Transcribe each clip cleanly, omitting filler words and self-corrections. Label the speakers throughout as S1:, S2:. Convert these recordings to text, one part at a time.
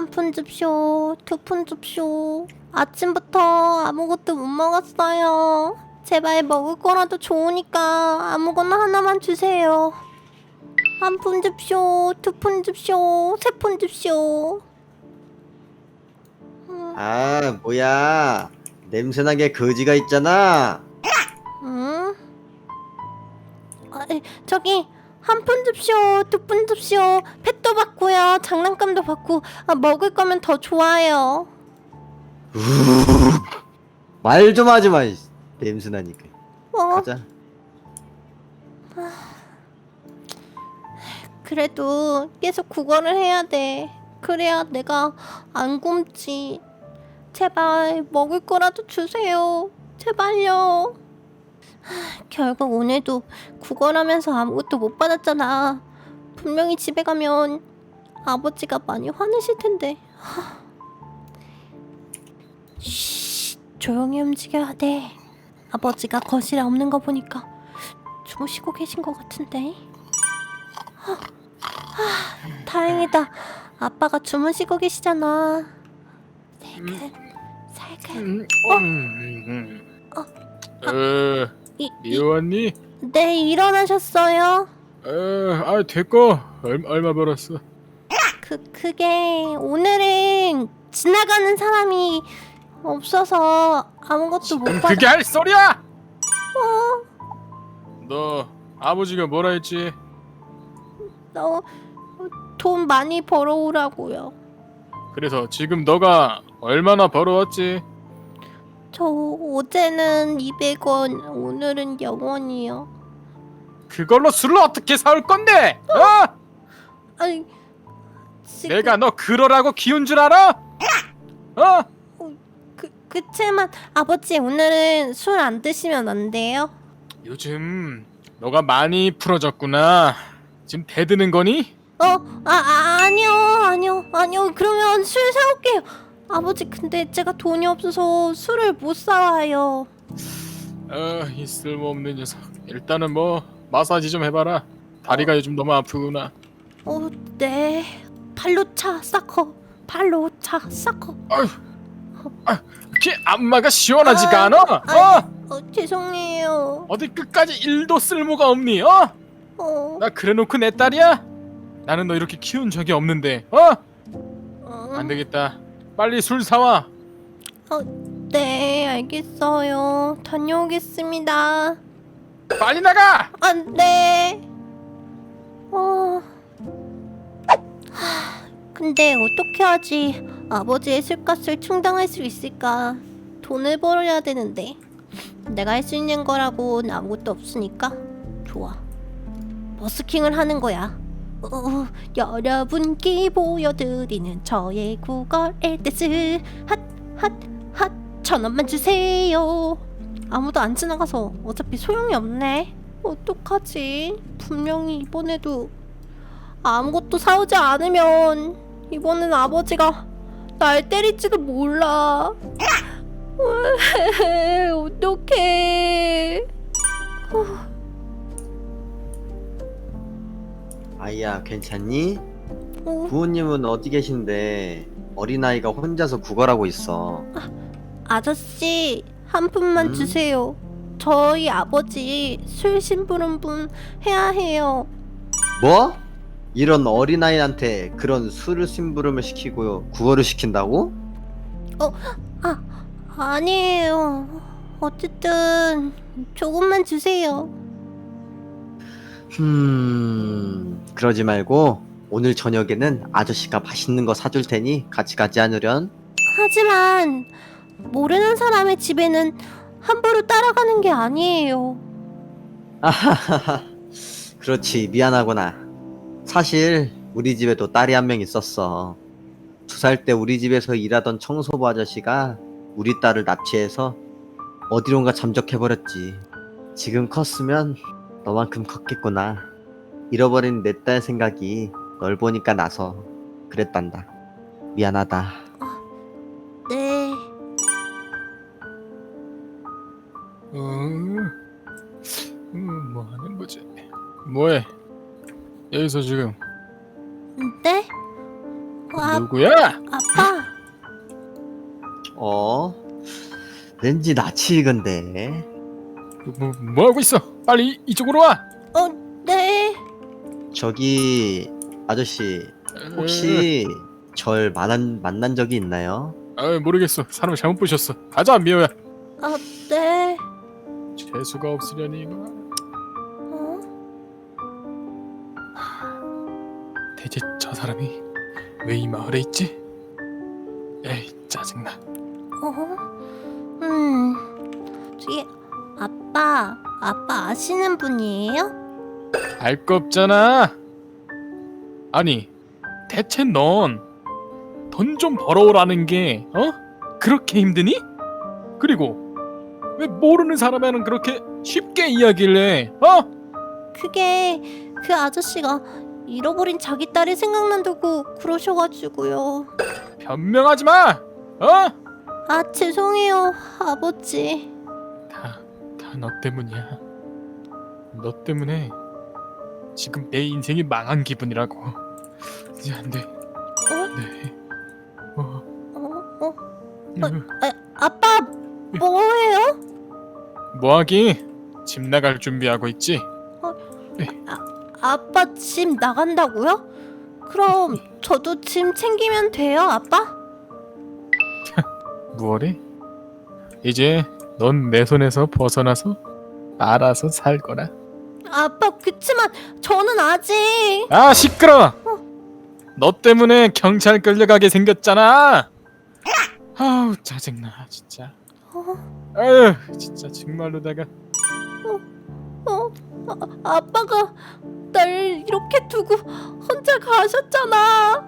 S1: 한 푼 줍쇼, 두 푼 줍쇼. 아침부터 아무것도 못 먹었어요. 제발 먹을 거라도 좋으니까 아무거나 하나만 주세요. 한 푼 줍쇼, 두 푼 줍쇼, 세 푼 줍쇼.
S2: 아, 뭐야. 냄새나게 거지가 있잖아.
S1: 응? 저기 한 푼 줍쇼, 두 푼 줍쇼. 펫도 받고요, 장난감도 받고. 먹을 거면 더 좋아요.
S2: 말 좀 하지 마. 냄새나니까.
S1: 어?
S2: 가자.
S1: 그래도 계속 국어를 해야 돼. 그래야 내가 안 굶지. 제발 먹을 거라도 주세요. 제발요. 결국 오늘도 국어라면서 아무것도 못 받았잖아. 분명히 집에 가면 아버지가 많이 화내실 텐데. 쉬, 조용히 움직여야 돼. 아버지가 거실에 없는 거 보니까 주무시고 계신 것 같은데. 다행이다. 아빠가 주무시고 계시잖아. 살살.
S3: 미웠니?
S1: 네, 일어나셨어요?
S3: 됐고. 얼마 벌었어?
S1: 그게 오늘은 지나가는 사람이 없어서 아무것도 못 받아.
S3: 그게 할 소리야? 너 아버지가 뭐라 했지?
S1: 돈 많이 벌어오라고요.
S3: 그래서 지금 너가 얼마나 벌어왔지?
S1: 저 어제는 200원, 오늘은 0원이요.
S3: 그걸로 술을 어떻게 사올 건데? 어?
S1: 아니, 지금
S3: 내가 너 그러라고 키운 줄 알아? 어?
S1: 그치만 아버지 오늘은 술 안 드시면 안 돼요?
S3: 요즘 너가 많이 풀어졌구나. 지금 대드는 거니?
S1: 아니요. 그러면 술 사올게요. 아버지, 근데 제가 돈이 없어서 술을 못 사와요.
S3: 이 쓸모없는 녀석. 일단은 뭐 마사지 좀 해봐라. 다리가 요즘 너무 아프구나.
S1: 네. 발로 차, 사커. 발로 차, 사커.
S3: 그게 안마가 시원하지가 않아?
S1: 죄송해요.
S3: 어디 끝까지 1도 쓸모가 없니? 나 그래놓고 내 딸이야? 나는 너 이렇게 키운 적이 없는데. 안 되겠다. 빨리 술 사와.
S1: 네, 알겠어요. 다녀오겠습니다.
S3: 빨리 나가.
S1: 네. 근데 어떻게 하지? 아버지의 술값을 충당할 수 있을까? 돈을 벌어야 되는데 내가 할 수 있는 거라고는 아무것도 없으니까 좋아. 버스킹을 하는 거야. 여러분께 보여드리는 저의 국어 엘테스 핫 1,000원만 주세요. 아무도 안 지나가서 어차피 소용이 없네. 어떡하지? 분명히 이번에도 아무것도 사오지 않으면 이번엔 아버지가 날 때릴지도 몰라. 어떡해.
S2: 아이야, 괜찮니? 부모님은 어디 계신데 어린아이가 혼자서 구걸하고 있어.
S1: 아저씨, 한 푼만 주세요. 저희 아버지 술 심부름분 해야 해요.
S2: 뭐? 이런 어린아이한테 그런 술을 심부름을 시키고 구걸을 시킨다고?
S1: 아니에요. 어쨌든 조금만 주세요.
S2: 그러지 말고 오늘 저녁에는 아저씨가 맛있는 거 사줄 테니 같이 가지 않으련?
S1: 하지만 모르는 사람의 집에는 함부로 따라가는 게 아니에요.
S2: 아하하하. 그렇지, 미안하구나. 사실 우리 집에도 딸이 한 명 있었어. 2살 때 우리 집에서 일하던 청소부 아저씨가 우리 딸을 납치해서 어디론가 잠적해버렸지. 지금 컸으면 너만큼 컸겠구나. 잃어버린 내 딸 생각이 널 보니까 나서 그랬단다. 미안하다.
S1: 네.
S3: 뭐 하는 거지? 뭐해? 여기서 지금
S1: 네?
S3: 누구야?
S1: 아빠.
S2: 왠지 낯이 익은데.
S3: 뭐 하고 있어? 빨리 이쪽으로 와.
S1: 네.
S2: 저기 아저씨 혹시 절 만난 적이 있나요?
S3: 모르겠어. 사람 잘못 보셨어. 가자 미호야.
S1: 네.
S3: 재수가 없으려니 이거. 대체 저 사람이 왜 이 마을에 있지? 에이 짜증나.
S1: 저기 아빠 아시는 분이에요?
S3: 알 거 없잖아. 아니 대체 넌 돈 좀 벌어오라는 게 그렇게 힘드니? 그리고 왜 모르는 사람에는 그렇게 쉽게 이야기를 해?
S1: 그게 그 아저씨가 잃어버린 자기 딸이 생각난다고 그러셔가지고요.
S3: 변명하지 마.
S1: 죄송해요 아버지.
S3: 다 너 때문이야. 너 때문에 지금 내 인생이 망한 기분이라고. 이제 안 돼. 네.
S1: 아빠 뭐해요?
S3: 뭐하기? 집 나갈 준비하고 있지?
S1: 아빠 집 나간다고요? 그럼 저도 짐 챙기면 돼요 아빠?
S3: 뭐래? 이제 넌 내 손에서 벗어나서 알아서 살 거라.
S1: 아빠 그치만 저는 아직.
S3: 시끄러. 너 때문에 경찰 끌려가게 생겼잖아. 아우 짜증나 진짜. 아유 진짜 정말로다가.
S1: 아빠가 날 이렇게 두고 혼자 가셨잖아.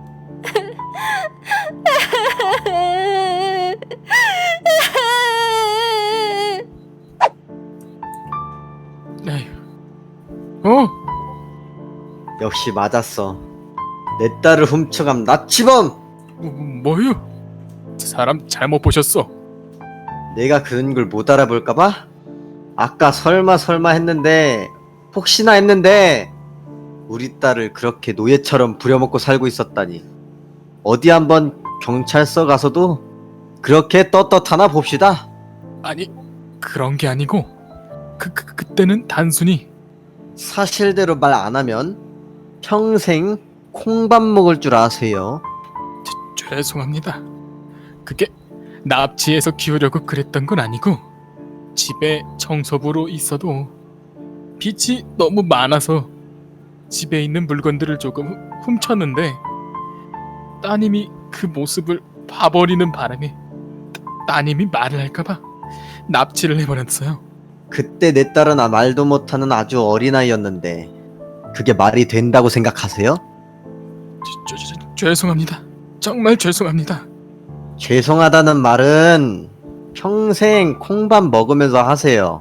S2: 역시 맞았어. 내 딸을 훔쳐간 납치범!
S3: 뭐요? 사람 잘못 보셨어.
S2: 내가 그런 걸 못 알아볼까봐? 아까 설마 했는데 혹시나 했는데 우리 딸을 그렇게 노예처럼 부려먹고 살고 있었다니. 어디 한번 경찰서 가서도 그렇게 떳떳하나 봅시다.
S3: 아니 그런 게 아니고 그때는 단순히
S2: 사실대로 말 안 하면 평생 콩밥 먹을 줄 아세요?
S3: 죄송합니다. 그게 납치해서 키우려고 그랬던 건 아니고 집에 청소부로 있어도 빚이 너무 많아서 집에 있는 물건들을 조금 훔쳤는데 따님이 그 모습을 봐버리는 바람에 따님이 말을 할까봐 납치를 해버렸어요.
S2: 그때 내 딸은 말도 못하는 아주 어린아이였는데 그게 말이 된다고 생각하세요?
S3: 죄송합니다. 정말 죄송합니다.
S2: 죄송하다는 말은 평생 콩밥 먹으면서 하세요.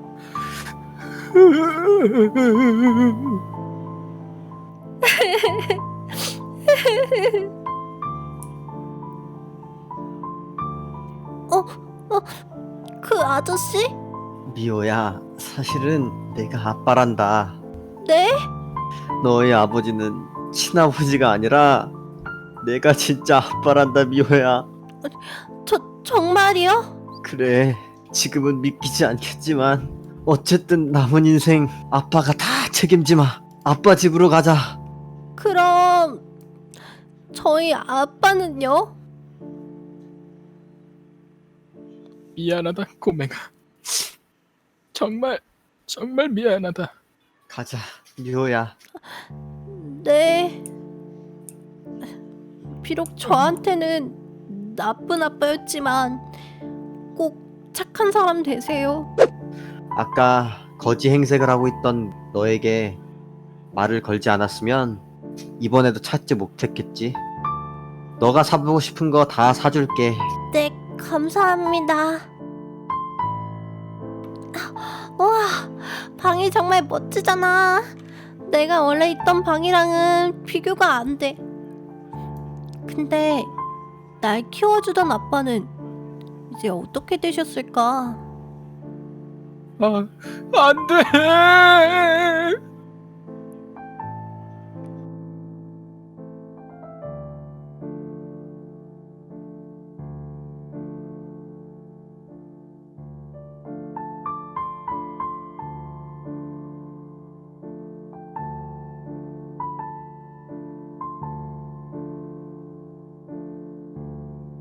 S1: 그 아저씨?
S2: 미호야, 사실은 내가 아빠란다.
S1: 네?
S2: 너의 아버지는 친아버지가 아니라 내가 진짜 아빠란다, 미호야.
S1: 정말이요?
S2: 그래, 지금은 믿기지 않겠지만 어쨌든 남은 인생 아빠가 다 책임지마. 아빠 집으로 가자.
S1: 그럼 저희 아빠는요?
S3: 미안하다 꼬맹아. 정말 미안하다.
S2: 가자, 미호야.
S1: 네. 비록 저한테는 나쁜 아빠였지만 꼭 착한 사람 되세요.
S2: 아까 거지 행색을 하고 있던 너에게 말을 걸지 않았으면 이번에도 찾지 못했겠지. 너가 사보고 싶은 거 다 사줄게.
S1: 네, 감사합니다. 와, 방이 정말 멋지잖아. 내가 원래 있던 방이랑은 비교가 안 돼. 근데 날 키워주던 아빠는 이제 어떻게 되셨을까?
S3: 안 돼.